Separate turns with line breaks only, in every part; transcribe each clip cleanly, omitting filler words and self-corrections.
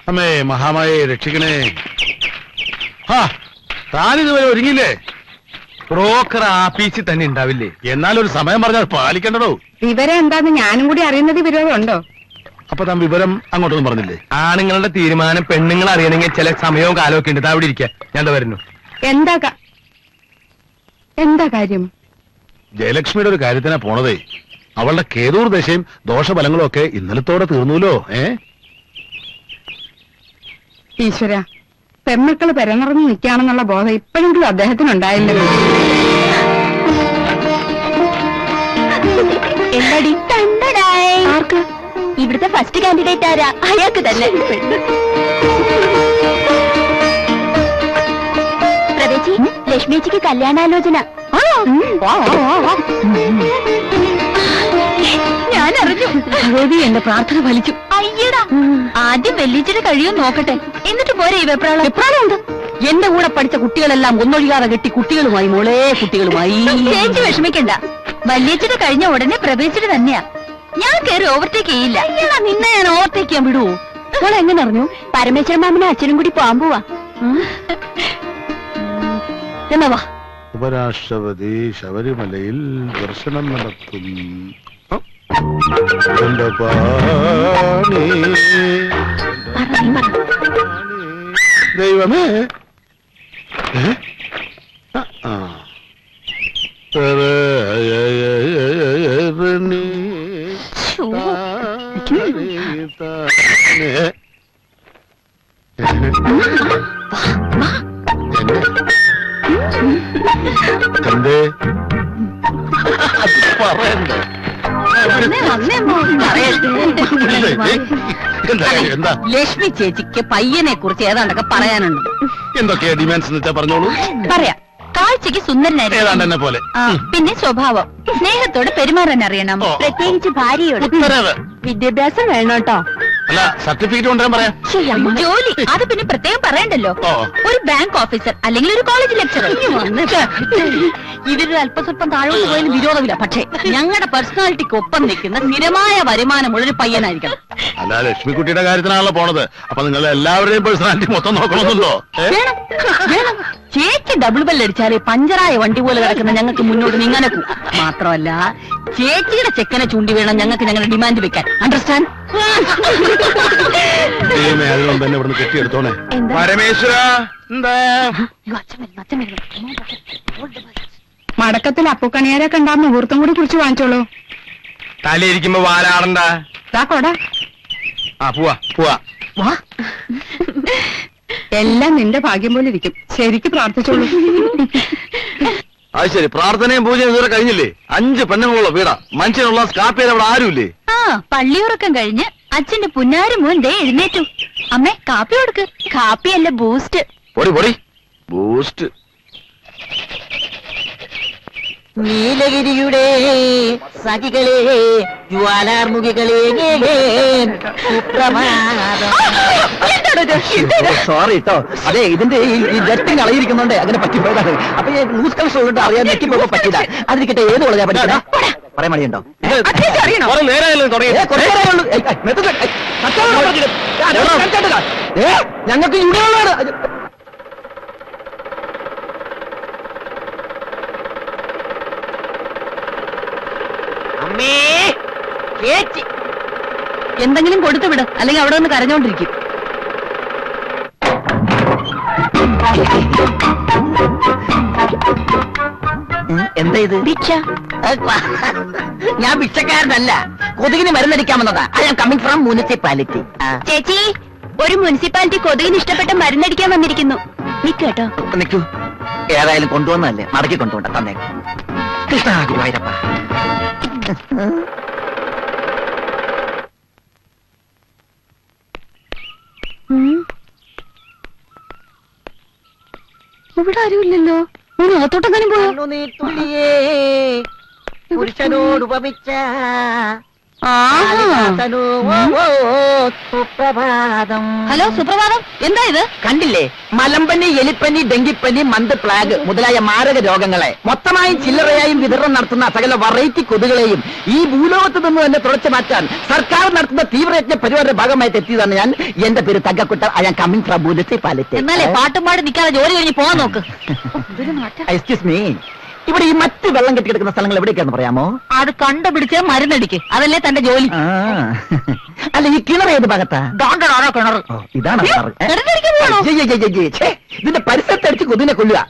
അമ്മേ മഹാമായെ രക്ഷിക്കണേ. താനിതുവരെ ഒരുങ്ങില്ലേ?
ബ്രോക്കർ ആഫീസിൽ തന്നെ ഉണ്ടാവില്ലേ?
എന്നാലൊരു സമയം പറഞ്ഞാൽ പാലിക്കണ്ടോ?
വിവരം എന്താന്ന് ഞാനും കൂടി അറിയുന്നത് വിരോധമുണ്ടോ?
അപ്പൊ താൻ വിവരം അങ്ങോട്ടൊന്നും പറഞ്ഞില്ലേ?
ആണുങ്ങളുടെ തീരുമാനം പെണ്ണുങ്ങൾ അറിയണമെങ്കിൽ ചില സമയവും കാലവും ഒക്കെ ഉണ്ട്. അവിടെ ഇരിക്കുക, ഞാൻ വരുന്നു.
എന്താ കാര്യം?
ജയലക്ഷ്മിയുടെ ഒരു കാര്യത്തിനാ പോണതേ. അവളുടെ കേതൂർ ദശയും ദോഷഫലങ്ങളും ഒക്കെ ഇന്നലത്തോടെ തീർന്നൂലോ.
ഈശ്വര, പെമ്മക്കള് പെരനിറഞ്ഞു നിൽക്കുകയാണെന്നുള്ള ബോധം ഇപ്പോഴെങ്കിലും അദ്ദേഹത്തിനുണ്ടായില്ലേ?
ആർക്ക്? ഇവിടുത്തെ ഫസ്റ്റ് കാൻഡിഡേറ്റ് ആരാ? അയാൾക്ക് തന്നെ. പ്രവേശി, ലക്ഷ്മിജിക്ക് കല്യാണാലോചന. ഞാൻ അറിഞ്ഞു. ഭഗവതി, എന്റെ പ്രാർത്ഥന ഫലിച്ചു. അയ്യടാ, ആദ്യം വെല്ലിച്ചിട്ട് കഴിയും നോക്കട്ടെ, എന്നിട്ട് പോരെ ഈ വെപ്രാളം. വെപ്രാളമുണ്ട്. എന്റെ കൂടെ പഠിച്ച കുട്ടികളെല്ലാം ഒന്നൊഴിയാതെ കെട്ടി കുട്ടികളുമായി, മോളെ കുട്ടികളുമായി. ചേച്ചി വിഷമിക്കണ്ട, വല്യച്ചിട്ട് കഴിഞ്ഞ ഉടനെ പ്രവേശിച്ചിട്ട് തന്നെയാ. ഞാൻ കയറി ഓവർടേക്ക് ചെയ്യില്ല. നിന്നെ ഞാൻ ഓവർടേക്ക് ചെയ്യാൻ വിടുവോ? മോളെ എങ്ങനെ അറിഞ്ഞു? പരമേശ്വരൻ മാമനും അച്ഛനും കൂടി പോവാൻ പോവാ. എന്നാ വാ.
ഉപരാഷ്ട്രപതി ശബരിമലയിൽ ദർശനം നടത്തും. ദൈവമേ, എന്തേ പറയണ്ട?
ലക്ഷ്മി ചേച്ചിക്ക് പയ്യനെ കുറിച്ച് ഏതാണ്ടൊക്കെ പറയാനുണ്ട്.
എന്തൊക്കെയാ ഡിമാൻഡ്സ് എന്ന് വെച്ചാ പറഞ്ഞോളൂ.
പറയാം. കാഴ്ചക്ക് സുന്ദരനായിരുന്നു,
ഏതാണ്ട് എന്നെ പോലെ.
പിന്നെ സ്വഭാവം, സ്നേഹത്തോടെ പെരുമാറാൻ അറിയണം, പ്രത്യേകിച്ച് ഭാര്യയോട്. വിദ്യാഭ്യാസം വേണം കേട്ടോ.
അല്ല, സർട്ടിഫിക്കറ്റ് കൊണ്ടുവരാൻ പറയാം.
ജോലി അത് പിന്നെ പ്രത്യേകം പറയണ്ടല്ലോ. ഒരു ബാങ്ക് ഓഫീസർ അല്ലെങ്കിൽ ഒരു കോളേജ് ലെക്ചറർ. ഇവരൊരു അല്പസ്വല്പം താഴോട്ട് പോയാലും വിരോധമില്ല. പക്ഷേ ഞങ്ങളുടെ പേഴ്സണാലിറ്റിക്ക് ഒപ്പം നിൽക്കുന്ന സ്ഥിരമായ വരുമാനമുള്ളൊരു പയ്യനായിരിക്കണം.
അല്ല, ലക്ഷ്മിക്കുട്ടിയുടെ കാര്യത്തിനാണല്ലോ പോണത്. അപ്പൊ നിങ്ങൾ എല്ലാവരുടെയും പേഴ്സണാലിറ്റി മൊത്തം നോക്കണമെന്നുണ്ടോ?
ചേച്ചി ഡബിൾ ബെല്ലടിച്ചാലേ പഞ്ചറായ വണ്ടി പോലെ കിടക്കുന്ന ഞങ്ങൾക്ക് മുന്നോട്ട് നീങ്ങാനെ പോകും. മാത്രമല്ല, ചേച്ചിയുടെ ചെക്കനെ ചൂണ്ടി വേണം ഞങ്ങൾക്ക് ഞങ്ങളുടെ ഡിമാൻഡ് വെക്കാൻ. അണ്ടർസ്റ്റാൻഡ്?
അതുകൊണ്ട് തന്നെ ഇവിടുന്ന് കെട്ടിയെടുത്തോണേ.
പരമേശ്വര,
മടക്കത്തിൽ അപ്പുക്കണിയാരെ കണ്ടാ മുഹൂർത്തം കൂടി കുറിച്ച് വാങ്ങിച്ചോളൂ.
തലയിരിക്കുമ്പോ വാലാടണ്ട.
കൊടാ.
പോവാ പോവാ.
എല്ലാം നിന്റെ ഭാഗ്യം പോലെ ഇരിക്കും. ശരിക്ക് പ്രാർത്ഥിച്ചോളൂ.
അത് ശരി, പ്രാർത്ഥനയും പൂജയും ഇതുവരെ കഴിഞ്ഞില്ലേ? 5 പെണ്ണുങ്ങളുള്ള വീടാ. മനുഷ്യനുള്ള സ്കാപ്പിയിൽ അവിടെ ആരുമില്ലേ?
പള്ളിയുറക്കം കഴിഞ്ഞ് അച്ഛന്റെ പുന്നാരി മോൻ ദേ എഴുന്നേറ്റു. അമ്മേ, കാപ്പി കൊടുക്ക്. കാപ്പിയല്ല, ബൂസ്റ്റ്.
പൊടി പൊടി ബൂസ്റ്റ്.
നീലഗിരിയുടെ സഖികളെ, ജ്വാലാർമുഖികളെ, സോറി കേട്ടോ. അതെ, ഇതിന്റെ ഈ ജെറ്റ് കളയിരിക്കുന്നുണ്ട്, അങ്ങനെ പറ്റിപ്പോയതാണ്. അപ്പൊ ന്യൂസ് കണക്ഷൻ ഉള്ളതുകൊണ്ട് അറിയാൻ നെറ്റിപ്പോ പറ്റില്ല. അതിരിക്കട്ടെ, ഏത് കോളേജാ പഠിക്കണേ? പറയാൻ മടിയുണ്ടോ? ഞങ്ങൾക്ക് ഇവിടെയുള്ളതാണ്.
എന്തെങ്കിലും കൊടുത്തു വിട്, അല്ലെങ്കിൽ അവിടെ ഒന്ന് കരഞ്ഞോണ്ടിരിക്കും.
എന്താ ഇത്?
ഭിക്ഷ.
ഞാൻ ഭിക്ഷക്കാരനല്ല, കൊതുകിന് മരുന്നടിക്കാമെന്നതാ. I am coming from municipality.
ചേച്ചി, ഒരു മുനിസിപ്പാലിറ്റി കൊതുകിന് ഇഷ്ടപ്പെട്ട മരുന്നടിക്കാൻ വന്നിരിക്കുന്നു. നിൽക്കട്ടോ.
നിൽക്കൂ. ഏതായാലും കൊണ്ടുവന്നല്ലേ, മടക്കി കൊണ്ടുപോണ്ട. തന്നെ കൃഷ്ണ ഗുരുവായൂരപ്പ.
ഇവിടെ ആരുമില്ലല്ലോ. അകത്തോട്ടെങ്ങാനും പോയോ?
പുരുഷനോട് ഉപമിച്ച സുപ്രഭാതം.
ഹലോ സുപ്രഭാതം, എന്താ ഇത്?
കണ്ടില്ലേ, മലമ്പനി, എലിപ്പനി, ഡെങ്കിപ്പനി, മന്ത്, പ്ലാഗ് മുതലായ മാരക രോഗങ്ങളെ മൊത്തമായും ചില്ലറയായും വിതരണം നടത്തുന്ന സകല വെറൈറ്റി കൊതുകളെയും ഈ ഭൂലോകത്ത് നിന്ന് തന്നെ തുടച്ചു മാറ്റാൻ സർക്കാർ നടത്തുന്ന തീവ്രയജ്ഞ പരിപാടിയുടെ ഭാഗമായിട്ട് എത്തിയതാണ് ഞാൻ. എന്റെ പേര് തങ്കക്കുട്ട. I am coming from municipality.
എന്നാലേ പാട്ടും പാടി നിൽക്കാതെ ജോലി കഴിഞ്ഞ് പോകാൻ നോക്ക്.
എക്സ്ക്യൂസ് മീ, ഇവിടെ ഈ മറ്റ് വെള്ളം കെട്ടിക്കിടക്കുന്ന സ്ഥലങ്ങൾ എവിടേക്കാന്ന് പറയാമോ?
അത് കണ്ടുപിടിച്ച് മരുന്നടിക്ക്, അതല്ലേ തന്റെ ജോലി.
അല്ല, ഈ കിണർ ഏത് ഭാഗത്താ?
കിണർ
ഇതാണ് കിണർ.
കിണറടിക്കാൻ പോകണോ?
ഇതിന്റെ പരിസരത്തടിച്ച് കൊതുവിനെ കൊല്ലുക.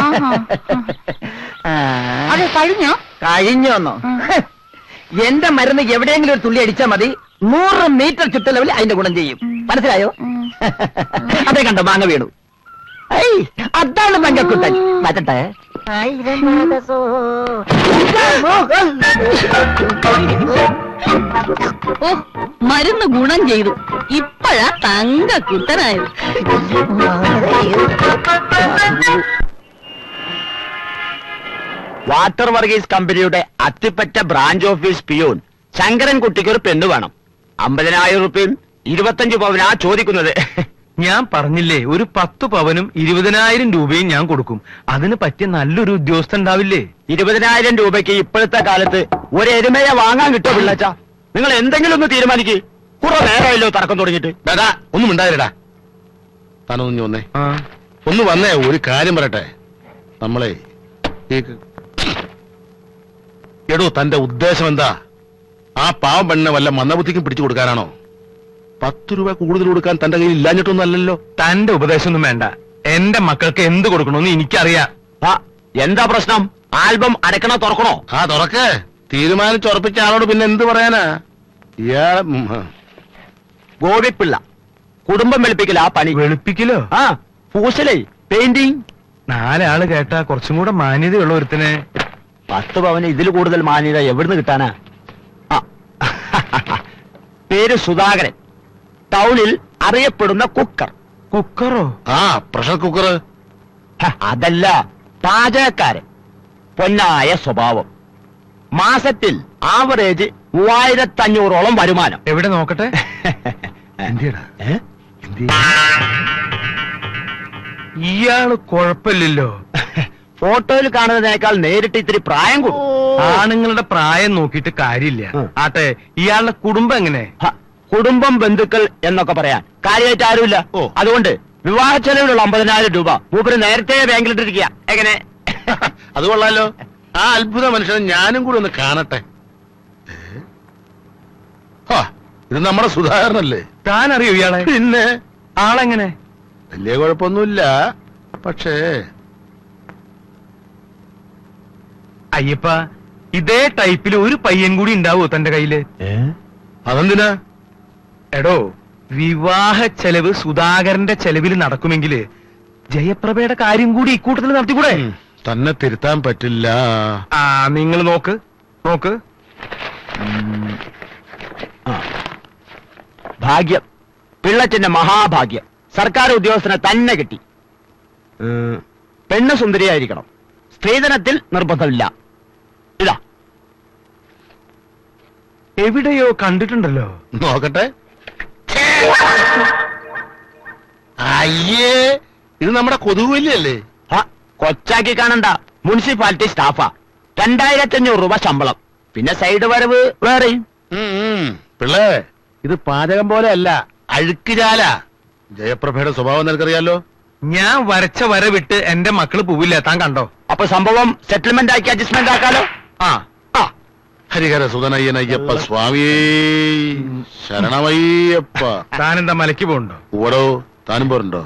അത് കഴിഞ്ഞോ?
കഴിഞ്ഞോന്നോ? എന്റെ മരുന്ന് എവിടെയെങ്കിലും ഒരു തുള്ളി അടിച്ചാൽ മതി, 100 മീറ്റർ ചുറ്റളവിൽ അതിന്റെ ഗുണം ചെയ്യും. മനസ്സിലായോ? അതേ കണ്ടോ, മാങ്ങ വീണു. അതാണ് തങ്കക്കുട്ടൻ. മാറ്റട്ടെ.
ഓ, മരുന്ന് ഗുണം ചെയ്തു. ഇപ്പഴാ തങ്കക്കുട്ടനായത്.
വാട്ടർ വർഗീസ് കമ്പനിയുടെ അത്തിപ്പറ്റ ബ്രാഞ്ച് ഓഫീസ് പിയൂൺ ശങ്കരൻകുട്ടിക്ക് ഒരു പെണ്ണ് വേണം. 50,000 രൂപയും 25 പവനാ ചോദിക്കുന്നത്.
ഞാൻ പറഞ്ഞില്ലേ, ഒരു 10 പവനും 20,000 രൂപയും ഞാൻ കൊടുക്കും. അതിന് പറ്റിയ നല്ലൊരു ഉദ്യോഗസ്ഥൻ ഉണ്ടാവില്ലേ?
20,000 രൂപയ്ക്ക് ഇപ്പോഴത്തെ കാലത്ത് ഒരു എരുമയെ വാങ്ങാൻ കിട്ടുമോ പിള്ളച്ച? നിങ്ങൾ എന്തെങ്കിലും ഒന്ന് തീരുമാനിക്ക്. കുറെ നേരമല്ലോ തർക്കം തുടങ്ങിയിട്ട്.
ഡാ ഒന്നും ഉണ്ടായിരടാ. താനൊന്നു വന്നേ, ഒന്ന് വന്നേ, ഒരു കാര്യം പറയട്ടെ. നമ്മളെ എടോ, തന്റെ ഉദ്ദേശം എന്താ? ആ പാവം പെണ്ണിനെ വല്ല മന്ദബുദ്ധിക്കും പിടിച്ചു കൊടുക്കാനാണോ? 10 രൂപ കൂടുതൽ കൊടുക്കാൻ തന്റെ കയ്യിൽ ഇല്ലാഞ്ഞിട്ടൊന്നും അല്ലല്ലോ.
തന്റെ ഉപദേശമൊന്നും വേണ്ട. എന്റെ മക്കൾക്ക് എന്ത് കൊടുക്കണമെന്ന് എനിക്കറിയാം.
എന്താ പ്രശ്നം? ആൽബം അടക്കണോ തുറക്കണോ?
തുറക്ക്. തീരുമാനിച്ചുറപ്പിച്ച ആളോട് പിന്നെ എന്ത് പറയാനാ? ഇയാളെ
ഗോപിപ്പിള്ള കുടുംബം വെളുപ്പിക്കല. ആ പണി
വെളുപ്പിക്കലോ?
പൂശലേ, പെയിന്റിങ്.
4 ആള് കേട്ടാ കുറച്ചും കൂടെ മാന്യതയുള്ള ഒരുത്തിനെ.
10 പവന് ഇതിൽ കൂടുതൽ മാന്യത എവിടുന്ന് കിട്ടാനാ? പേര് സുധാകരൻ. ടൗണിൽ അറിയപ്പെടുന്ന കുക്കർ.
കുക്കറോ?
Pressure cooker.
അതല്ല, പാചകക്കാരൻ. പൊന്നായ സ്വഭാവം. മാസത്തിൽ ആവറേജ് 3500ഓളം വരുമാനം.
എവിടെ നോക്കട്ടെ? ഇയാള് കുഴപ്പമില്ലല്ലോ.
ഫോട്ടോയിൽ കാണുന്നതിനേക്കാൾ നേരിട്ട് ഇത്തിരി പ്രായം കൂടും.
ആണുങ്ങളുടെ പ്രായം നോക്കിയിട്ട് കാര്യമില്ല. ആട്ടെ, ഇയാളുടെ കുടുംബം എങ്ങനെ?
കുടുംബം, ബന്ധുക്കൾ എന്നൊക്കെ പറയാൻ കാര്യമായിട്ട് ആരുമില്ല. അതുകൊണ്ട് വിവാഹ ചെലവിലുള്ള 50,000 രൂപ മൂപ്പര് നേരത്തെ ബാങ്കിലിട്ടിരിക്കുക. എങ്ങനെ?
അത് കൊള്ളാലോ. ആ അത്ഭുത മനുഷ്യനെ ഞാനും കൂടി ഒന്ന് കാണട്ടെ. ഇത് നമ്മുടെ സുധാകരനല്ലേ?
താൻ അറിയോ ഇയാളെ?
പിന്നെ
ആളെങ്ങനെ?
വലിയ കുഴപ്പമൊന്നുമില്ല. പക്ഷേ
അയ്യപ്പ, ഇതേ ടൈപ്പിൽ ഒരു പയ്യൻ കൂടി ഉണ്ടാവോ തന്റെ കയ്യില്?
അതെന്തിനാ?
എടോ, വിവാഹ ചെലവ് സുധാകരന്റെ ചെലവിൽ നടക്കുമെങ്കില് ജയപ്രഭയുടെ കാര്യം കൂടി ഇക്കൂട്ടത്തിൽ നടത്തിക്കൂടെ?
തന്നെ തിരുത്താൻ പറ്റില്ല.
നിങ്ങൾ നോക്ക്.
ഭാഗ്യം, പിള്ളച്ചന്റെ മഹാഭാഗ്യം. സർക്കാർ ഉദ്യോഗസ്ഥനെ തന്നെ കിട്ടി. പെണ്ണ് സുന്ദരിയായിരിക്കണം. സ്ത്രീധനത്തിൽ നിർബന്ധമില്ല. ഇതാ.
എവിടെയോ കണ്ടിട്ടുണ്ടല്ലോ.
നോക്കട്ടെ. അയ്യേ, ഇത് നമ്മുടെ കൊതുകുവല്ലിയല്ലേ?
കൊച്ചാക്കി കാണണ്ട, മുനിസിപ്പാലിറ്റി സ്റ്റാഫാ. 2500 രൂപ ശമ്പളം, പിന്നെ സൈഡ് വരവ് വേറെയും.
പിള്ളേ, ഇത് പാചകം പോലെ അല്ല, അഴുക്കുചാല. ജയപ്രഭയുടെ സ്വഭാവം നിനക്കറിയാലോ.
ഞാൻ വരച്ച വര വിട്ട് എന്റെ മക്കള് പോവില്ല. താൻ കണ്ടോ?
അപ്പൊ സംഭവം സെറ്റിൽമെന്റ് ആക്കി അഡ്ജസ്റ്റ്മെന്റ് ആക്കാലോ.
ഹരിഹര സുധനയ്യനയ്യപ്പ സ്വാമിയേ ശരണമയ്യപ്പ.
താനെന്താ മലയ്ക്ക് പോകണ്ടോ?
ഓടോ, താനും പോരുണ്ടോ?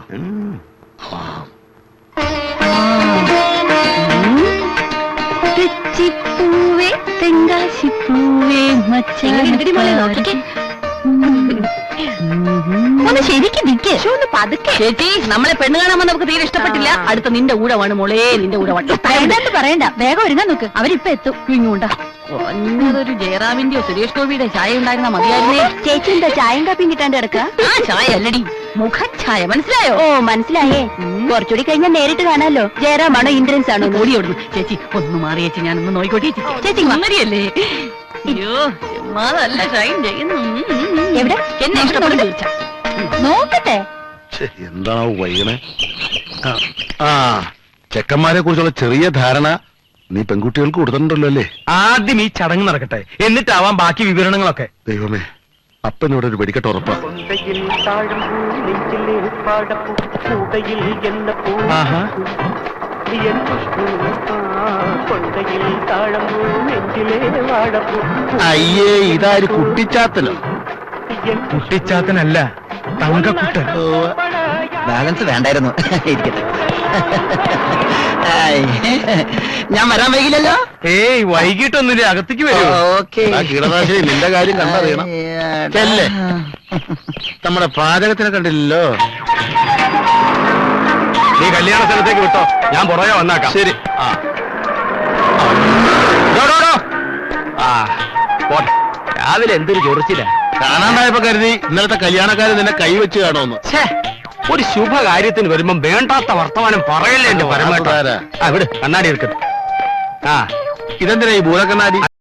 തെച്ചിപ്പൂവേ തെങ്കാശിപ്പൂവേ ഒന്ന് ശരിക്കും നിക്ക്. പതുക്കെ ചേച്ചി, നമ്മളെ പെണ്ണ് കാണാൻ നമുക്ക് തീരെ ഇഷ്ടപ്പെട്ടില്ല. അടുത്ത നിന്റെ ഊഴമാണ് മോളെ, നിന്റെ ഊഴമാണ്. പറയണ്ട, വേഗം ഒരുങ്ങാൻ നോക്ക്. അവരിപ്പൊ എത്തും. ഇങ്ങോട്ടാ കുറഞ്ഞതൊരു ജയറാമിന്റെയോ സുരേഷ് ഗോപിയുടെ ചായ ഉണ്ടായിരുന്ന മതിയായിരുന്നേ. ചേച്ചി എന്താ ചായയും കാപ്പിയും കിട്ടാണ്ട് കിടക്കുക? ചായ അല്ലടി, മുഖഛായ. മനസ്സിലായോ? ഓ, മനസ്സിലായേ. കുറച്ചുകൂടി കഴിഞ്ഞാൽ നേരിട്ട് കാണാമല്ലോ. ജയറാമാണോ ഇന്ദ്രൻസ് ആണോ? ഓടിയോടുന്നു. ചേച്ചി ഒന്ന് മാറി ചേച്ചി, ഞാനൊന്ന് നോയിക്കോട്ടെ. ചേച്ചി മങ്ങടിയല്ലേ? അയ്യോ നല്ല ഷൈൻ ചെയ്യുന്നു. എവിടെ എന്നെ ഇഷ്ടപ്പെട്ടു ചോദിച്ചാ നോക്കട്ടെ.
എന്താണോ വൈകണേ? ആ ചെക്കന്മാരെ കുറിച്ചുള്ള ചെറിയ ധാരണ നീ പെൺകുട്ടികൾക്ക് കൊടുത്തിട്ടുണ്ടല്ലോ അല്ലേ?
ആദ്യം ഈ ചടങ്ങ് നടക്കട്ടെ, എന്നിട്ടാവാം ബാക്കി വിവരണങ്ങളൊക്കെ.
ദൈവമേ, അപ്പനോട് ഒരു വെടിക്കെട്ട് ഉറപ്പാ.
ആഹാ,
അയ്യേ, ഇതാര് കുട്ടിച്ചാത്തനോ?
കുട്ടിച്ചാത്തനല്ല, തങ്കക്കുട്ടൻ.
ബാലൻസ് വേണ്ടായിരുന്നു. ഇരിക്കട്ടെ. ഞാൻ വരാൻ വൈകില്ലല്ലോ.
ഏയ് വൈകിട്ടൊന്നുമില്ല, അകത്തേക്ക് വരൂ.
ഓക്കെ.
കീടനാശിനി നിന്റെ കാര്യം കണ്ടറിയണം. ചെല്ലേ, നമ്മുടെ പാചകത്തിനെ കണ്ടില്ലല്ലോ.
നീ കല്യാണ സ്ഥലത്തേക്ക് വിട്ടോ, ഞാൻ പുറകെ വന്നാക്കാം.
ശരി.
പോട്ടെ. രാവിലെ എന്തൊരു ചൊറിച്ചില്ല.
കാണാണ്ടായപ്പോ കരുതി ഇന്നലത്തെ കല്യാണക്കാര് നിന്നെ കൈവച്ച് കാണുമെന്ന്.
ഒരു ശുഭകാര്യത്തിന് വരുമ്പം വേണ്ടാത്ത വർത്തമാനം പറയല്ലേ എന്റെ പരമാവധി.
ആരാ?
ആ വിട്, കണ്ണാടി എടുക്കട്ടെ. ആ
ഇതെന്തിനാ ഈ ഭൂതക്കണ്ണാടി?